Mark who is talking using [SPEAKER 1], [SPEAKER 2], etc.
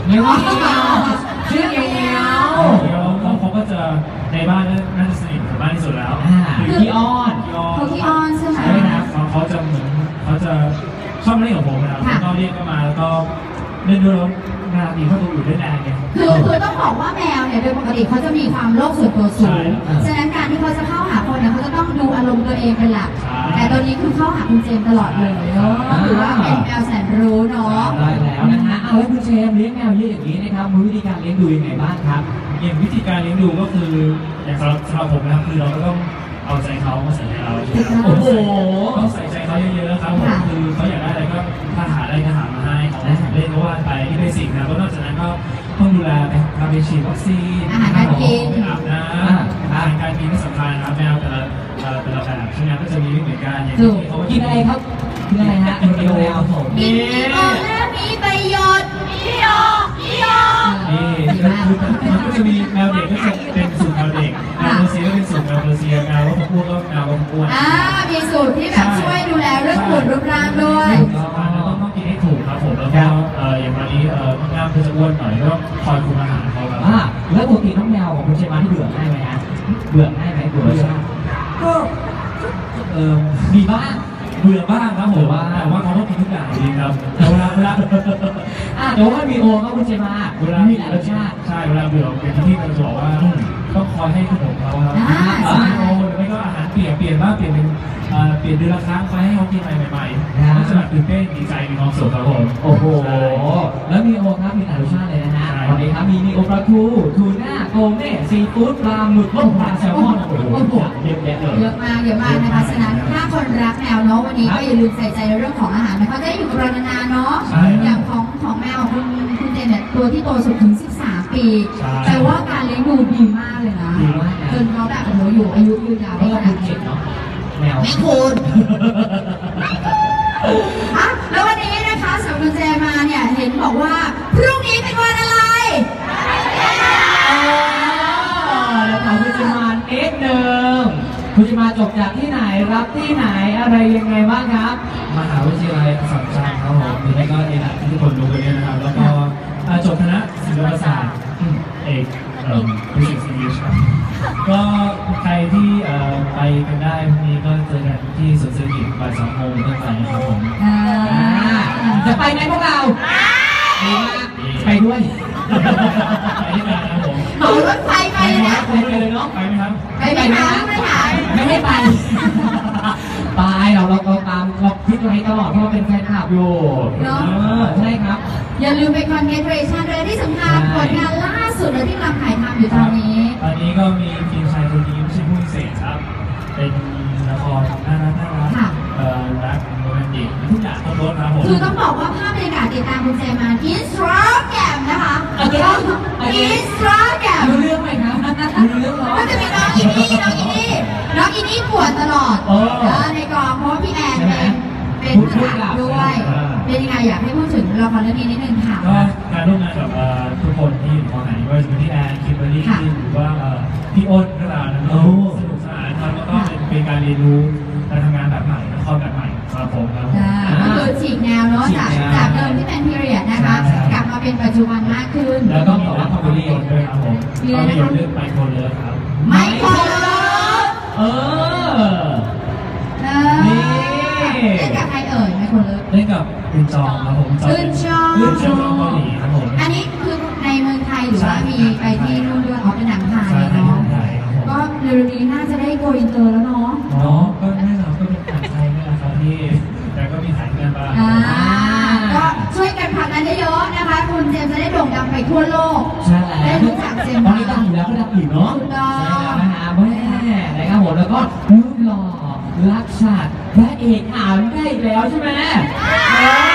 [SPEAKER 1] เงี้ยวชื่อเงี้ยว
[SPEAKER 2] เขาก็จะในบ้านน่าจะสนิทกับบ้านที่สุดแล้ว
[SPEAKER 1] คือขี้อ้อน
[SPEAKER 3] เขาขี้อ้อนใช่ไหม
[SPEAKER 2] ใช่ครับเขาจะเหมือนเขาจะชอบเล่นกับผมนะครับก็เรียกก็มาแล้วก็เล่นด้วยแล้วงานดีเขาดูอยู่ด้วยแรงไง
[SPEAKER 3] คือต้องบอกว่าแมวเนี่ยโดยปกติเขาจะมีความโลภส่วนตัวสูงฉะนั้นการที่เขาจะเข้าหาคนเนี่ยเขาจะต้องดูอารมณ์ตัวเองเป็นหลักแต่ตัวนี้คือเข้าหาคุณเจมตลอดเลยถือว่าเป็นแมวแสนรู้เนาะ
[SPEAKER 1] ได้แล้วนะฮะเอาแล้วคุณเจมเลี้ยงแมวเยอะอย่างนี้นะครับมีวิธีการเลี้ยงดูยังไงบ้างครับ
[SPEAKER 2] อย่างวิธีการเลี้ยงดูก็คืออย่างสำหรับผมนะครับคือเราก็ต้องเอาใจเขามาใส่ใจเราโอ้โหต้องใส่ใจเขาเยอะๆครับผมคือเขาอยากได้อะไรก็ถ้าหาอะไรก็หามาให้เขาเล่นก็ว่าไปที่เบสิกนะก็นอกจากนั้นก็ต้องดูแลไปพาไปฉีดวัคซีน
[SPEAKER 3] อาหารการกิน
[SPEAKER 2] อาบน้ำอาหารการกินที่สำคัญนะครับแมวแต่ละแบบใช่ไหมก็จะมีไม่เหมือนกันอย่างที่เขา
[SPEAKER 1] กินอะไรครับกินอะไรฮะกินแมวผม
[SPEAKER 3] กินมีประโยชน์
[SPEAKER 2] นี่มันก็จะมีแมวเด็กก็จะเป็นสูตรแมวเด็กแมวเปอร์เซียก็เป็นสูตรแมวเปอร์เซียแมวว่าพวกก็แมวว่าพวก
[SPEAKER 3] มีสูตรที่แบบช่วยดูแลเรื่องหุ่นรูปร่างด้วย
[SPEAKER 2] ต้องกินให้ถูกครับผมแล้วก็อย่างวันนี้งามคือจะอ้วนหน่อยก็คอยคุมอาหารเขาครับ
[SPEAKER 1] แล้วปกติน้องแมวของคุณเชมาที่เบื่อง่ายไหมฮะเบื่อง่ายไหมเบื่อ
[SPEAKER 2] ก็
[SPEAKER 1] มีบ้าง
[SPEAKER 2] เบื่อบ้างครับผมแต่ว่าเขาต้องกินทุกอย่างจริงครับแต่เวลา
[SPEAKER 1] แต่ว่ามีโอก็คุณเจมา
[SPEAKER 2] เวลามีหลายรสชาติใช่เวลาเบื่อเป็นที่เราบอกว่าต้องคอยให้ขนมเขาครับโอหรือไม่ก็อาหารเปลี่ยนบ้างเปลี่ยนเป็นเดือนละครั้งคอยให้เขากินอะไรใหม่ๆก็จะแบบตื่นเต้นดีใจมีความสุขครับผม
[SPEAKER 1] โอ้โหแล้วมีโอครับมีหลายรสชาติเลยนะฮะวันนี้ครับมีโอปลาทูน่าโกเม่ซีฟู้ดปลาหมึกต้มปลาแซลมอนโอ้โหเยอะแยะเลย
[SPEAKER 3] เยอะมากนะคะฉะนั้นถ้าคนรักแมวเนาะวันนี้ก็อย่าลืมใส่ใจในเรื่องของอาหารนะเขาจะได้อยู่กับเรานานๆเนาะอย่างของแมวคุณเจนเนี่ยตัวที่โตสุดถึง13 ปีแต่ว่าการเลี้ยงดูดีมากเลยนะจนเขาแบบโอ้โหอยู่อายุยืนยาวได้ขนาดนี้
[SPEAKER 1] เนาะแมว
[SPEAKER 3] ไม่คุณแล้ววันนี้นะคะสำหรับคุณเจมาเนี่ยเห็นบอกว่าพรุ่งนี้เป็นวันอะไร
[SPEAKER 1] แล้วถามคุณเจมาคุณจะมาจบจากที่ไหนรับที่ไหนอะไรยังไงบ้างครับ
[SPEAKER 2] มหาวิทยาลัยอัสสัมชัญครับผมนี่ก็เอกที่ทุกคนรู้กันเนี่ยนะครับแล้วก็จบคณะศิลปศาสตร์เอกBusiness English ครับก็ใครที่ไปกันได้พรุ่งนี้ก็เจอกันที่สวนเศรษฐกิจบ่าย2 โมงต้นไปครับผม
[SPEAKER 1] จะไปไหมพวกเราไปด้วย
[SPEAKER 2] ไปด้วยกันครับผม
[SPEAKER 3] เหมารถไฟไปเลยนะ
[SPEAKER 2] ไปเลยเนาะไปไหมครับ
[SPEAKER 3] ไปไหมครับ
[SPEAKER 1] ไม่ให้ไปไปเราตามเราคิดไว้ตลอดเพราะว่าเป็นแฟนคลับอยู่ใช่ครับ
[SPEAKER 3] อย่าลืมไปคอนเกรเรชั่นเลยที่สำคัญผลงานล่าสุดเลยที่กำลังถ่ายทำอยู่ตอนนี้
[SPEAKER 2] ก็มีทีมชายคนนี้ไม่ใช่ผู้พิเศษครับเป็นละครน่ารักรักโรแมนติกทุกอย่างครบรสครับผม
[SPEAKER 3] คือต้องบอกว่าภาพบรรยากาศติดตามคุณเจมาอินสตาแกรมนะคะอินสตาแกรม
[SPEAKER 1] รู้เรื่องไหมครับรู้เรื่องหรอ
[SPEAKER 3] ก็จะมีน้องอินี่ปวดตลอดในกองเพราะว่าพี่แอนเป็นผู้กำกับด้วยเป็นยังไงอยากให้พูดถึงละครเรื่องนี้นิดนึงค่ะ
[SPEAKER 2] ก็การร่วมงานกับทุกคนที่อยู่กองไหนว่าจะเป็นพี่แอนคิมเบอร์รี่หรือว่าพี่อ้นก็ตามนะสนุกสนานครับแล้วก็เป็นการเรียนรู้การทำงานแบบใหม่ละครแบบใหม่ครับผมครับ
[SPEAKER 3] ก็คือฉีกแนวเนาะจากเดิมที่เป็นพีเรียดนะคะกลับมาเป็นปัจจุบันมากขึ้น
[SPEAKER 2] แล้วก็มีนักภาพยนตร์ด้วยครับผมภาพยนตร์เรื่องไมโครเลิฟครับ
[SPEAKER 3] ไมโครเลิฟ
[SPEAKER 1] นี่
[SPEAKER 3] เล่นกับใครเอ่ยไมโครเลิฟ
[SPEAKER 2] เล่นกับอึนจองครับผม
[SPEAKER 3] อึนจอง
[SPEAKER 2] เกาหลีครับผม
[SPEAKER 3] อันนี้คือในเมืองไทยหรือว่ามีไปที่นู่นด้วยเป็นหนังไทยเนาะก็เร็วๆนี้น่าจะได้โกอินเตอร์แล้วเนาะ
[SPEAKER 2] ก็แน่นอนก็เป็นหนังไทยนี่แหละครับพี่แต่ก็มีถ่ายกันบ้าง
[SPEAKER 3] ก็ช่วยกันผลักดันเยอะๆนะคะคุณเจมจะได้โด่งดังไปทั่วโลก
[SPEAKER 1] ใช่
[SPEAKER 3] ได้รู้จักเจม
[SPEAKER 1] ตอนนี้ดังอยู่แล้วก็ดังอีกเนาะ
[SPEAKER 3] ใช่
[SPEAKER 1] แล้วนะฮะแม่นะครับผมแล้วก็รูปหล่อรักชาติพระเอกอ่านได้แล้วใช่ไหม